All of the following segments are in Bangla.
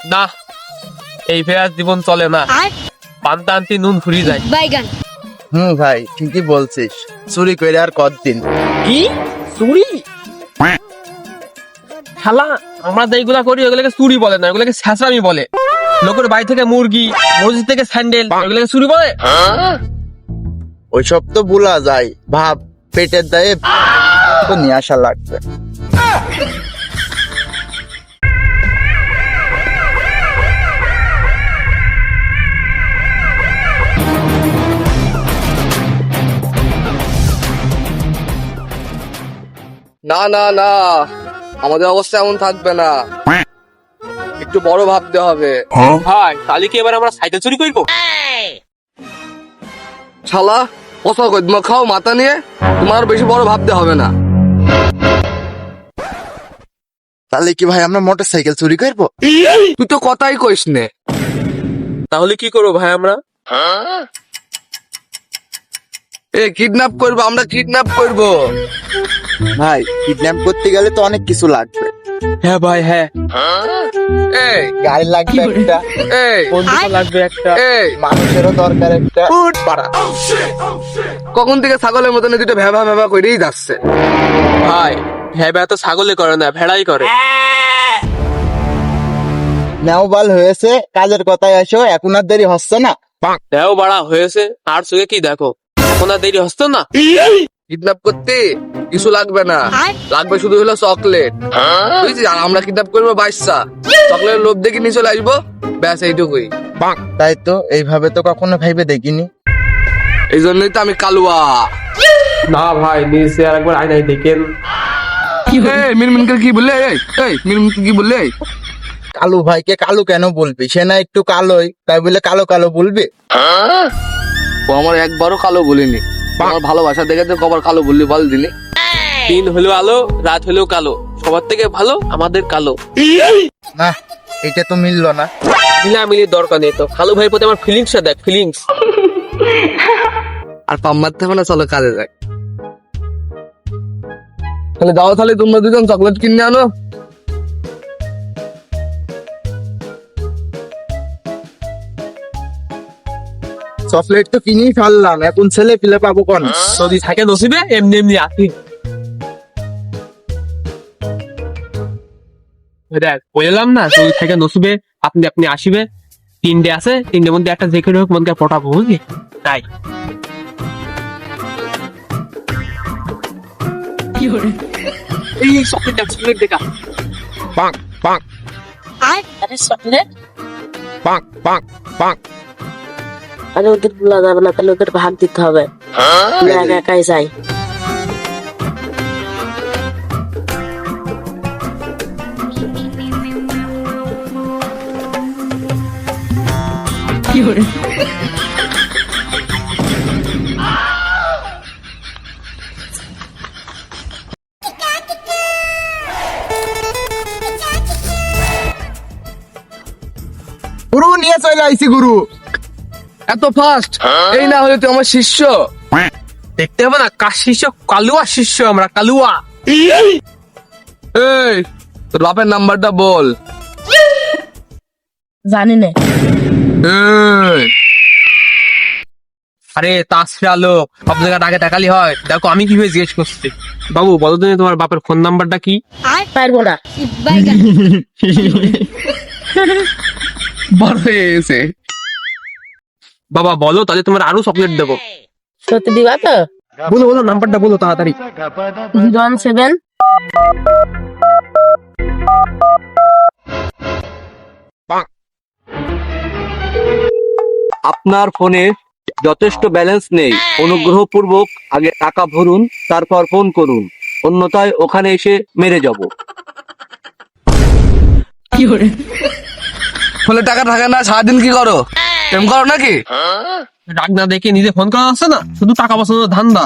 না, এই ফেরার জীবন চলে না। পান্তা আনতে নুন ফুরিয়ে যায়। ভাই ঠিকই বলছিস, চুরি করে আর কতদিন। কি চুরি? শালা আমরা যেগুলা করি ওগুলোকে চুরি বলে না, ওগুলোকে ছ্যাঁচড়ামি বলে। লোকের বাড়ি থেকে মুরগি, মসজিদ থেকে স্যান্ডেল, ওগুলোকে চুরি বলে? ওইসব তো ভুলা যায়, ভাব পেটের দায়ে তো নিয়ে আসা লাগবে। না না না, আমাদের অবস্থা এমন থাকবে না, একটু বড় ভাবতে হবে। ভাই তাহলে কি এবার আমরা সাইকেল চুরি করবো? শালা কথা কই, তোমার খাও মাথা নিয়ে, তোমার বেশি বড় ভাবতে হবে না। তাহলে কি ভাই আমরা মোটর সাইকেল চুরি করবো? তুই তো কথাই কইস নে। তাহলে কি করবো ভাই আমরা? কিডন্যাপ করবো, আমরা কিডন্যাপ করবো। ভাই কিডন্যাপ করতে গেলে তো অনেক কিছু লাগবে। হ্যাঁ ভাই হ্যাঁ, এই গাড়ি লাগবে একটা, এই বন্দুক লাগবে একটা, এই মানুষেরও দরকার একটা। উঠ পাড়া। কখন থেকে ছাগলের মতন দুটো ভ্যাবা ভ্যাবা করেই যাচ্ছে। ভাই ভেবা তো ছাগলে করে না, ভেড়াই করে। নেওবাল হয়েছে, কাজের কথায় আসো, এখন আর দেরি হচ্ছে না। দেও বাড়া হয়েছে, আর চোখে কি দেখো, এখন আর দেরি হচ্ছে না। কিডন্যাপ করতে কিছু লাগবে না, লাগবে শুধু হলো চকলেট, বুঝছিস? আর আমরা কিডন্যাপ করবো বাচ্চা, চকলেটের লোভ দেখে নিয়ে চলে আসবো, ব্যাস এইটুকুই। তাই তো, এইভাবে তো কখনো ভাইবে দেখিনি। এই জন্যই তো আমি কালুয়া। না ভাই নিচে আর একবার আয়নায় দেখেন। মিনমিনকে কি বললে? মিনমিনকে কি বললে? কালু ভাইকে কালু কেন বলবি? সে না একটু কালোই, তাই বলে কালো কালো বলবি? ও আমার একবারও কালো বলিনি, আমার ভালোবাসা দেখে তো কবার কালো বললি বল দিনি। দিন হলো আলো, রাত হলেও কালো, সবার থেকে ভালো আমাদের কালো। না, এটা তো মিললো না। মিলামিলির দরকার নেই তো, কালু ভাইয়ের প্রতি আমার ফিলিংসটা দেখ, ফিলিংস। আর পাম মারতে হবে না, চলো কাজে যাই। তাহলে দাও, তাহলে তোমরা দুজন চকলেট কিনে আনো। চকলেট তো কিনেই ফেললাম, এখন ছেলে পিলে পাবো কোন? যদি থাকে নসিবে, এমনি এমনি আসি। দেখ বললাম না, যদি থাকে নসিবে আপনি আপনি আসিবে। তিনটে আছে, তিনটের মধ্যে একটা যে হোক মনকে পটাবো, বুঝলি? তাই এই চকলেট চকলেট দেখা। আরে ওদের বলা যাবে না, তাহলে ওদের ভাগ দিতে হবে। একা একাই যাই। গুরু নিয়ে চলে আইছি গুরু। এত ফাস্ট? এই না হলে তুই আমার শিষ্য। দেখতে হবে না, কার শিষ্য? কালুয়া শিষ্য আমরা, কালুয়া। এই তোর বাপের নাম্বারটা বল। জানি না। এই, আরে তাসফিয়া লোক, সব জায়গায় আগে তাকালি হয়? দেখো আমি কিভাবে জিজ্ঞেস করছি। বাবু বলো তুমি তোমার বাপের ফোন নাম্বারটা কি? পারবো না। বড় হয়ে গেছে। বাবা বলো, তাহলে তোমার আরো চকলেট দেবো। সত্যি দিবা তো? বলো বলো, নাম্বারটা বলো তাড়াতাড়ি। 017 আপনার ফোনে যথেষ্ট ব্যালেন্স নেই, অনুগ্রহপূর্বক আগে টাকা ভরুন, তারপর ফোন করুন, অন্যথায় ওখানে এসে মেরে যাব। ফলে টাকা থাকে না, সারাদিন কি করো? প্রেম করো নাকি? রাগ না দেখে নিজে ফোন করা আছে না, শুধু টাকা পছন্দ ধান্দা।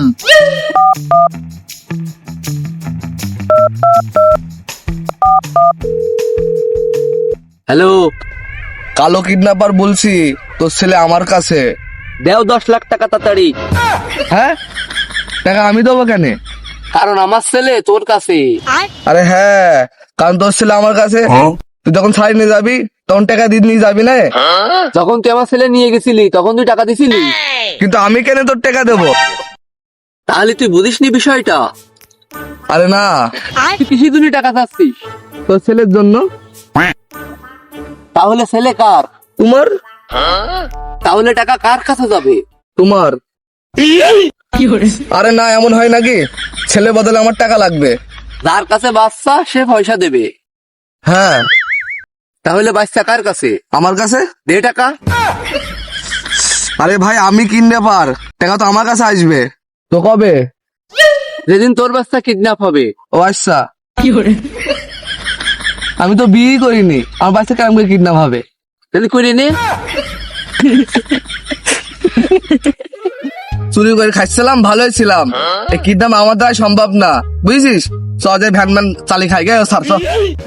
হ্যালো, কালো কিডন্যাপার বলছি, তোর ছেলে আমার কাছে। দেও 10 লাখ টাকা তাড়াতাড়ি। হ্যাঁ, টাকা আমি দেবো কেন? কারণ আমার ছেলে তোর কাছে। আরে হ্যাঁ, কারণ তোর ছেলে আমার কাছে। তুই যখন ছাড়ি নিয়ে যাবি, তখন টাকা দিয়ে নিয়ে যাবি না? যখন তুই আমার ছেলে নিয়ে গেছিলি তখন তুই টাকা দিছিলি, কিন্তু আমি কেন তোর টাকা দেবো? তাহলে তুই বুঝিসনি বিষয়টা। আরে না, তুই কিসের জন্য টাকা চাচ্ছিস? তোর ছেলের জন্য। তাহলে ছেলে কার? তোমার। তাহলে টাকা কার কাছে যাবে? তোমার। আরে না, এমন হয় নাকি? ছেলে বদলে আমার টাকা লাগবে। যার কাছে বাচ্চা সে পয়সা দেবে। হ্যাঁ। তাহলে বাচ্চা কার কাছে? আমার কাছে। দে টাকা। আরে ভাই, আমি কিনতে পার, টাকা তো আমার কাছে আসবে। তো কবে? যেদিন তোর বাচ্চা কিডন্যাপ হবে। ও আচ্ছা। আমি তো বিয়ে করিনি, আমার বাচ্চা কেমন করে কিডন্যাপ হবে? তাহলে করে নে। চুরি করে খাচ্ছিলাম, ভালোই ছিলাম। এই কিডন্যাপ আমার দ্বারা সম্ভব না, বুঝছিস? সহজে ভ্যান ম্যান চালি খাই গে সার চল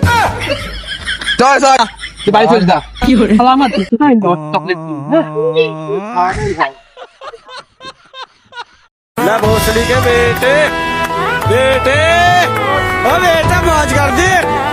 চল, তুই বাড়ি চলিস না। ले भोसड़ी के बेटे बेटे ओ बेटा मौज कर दे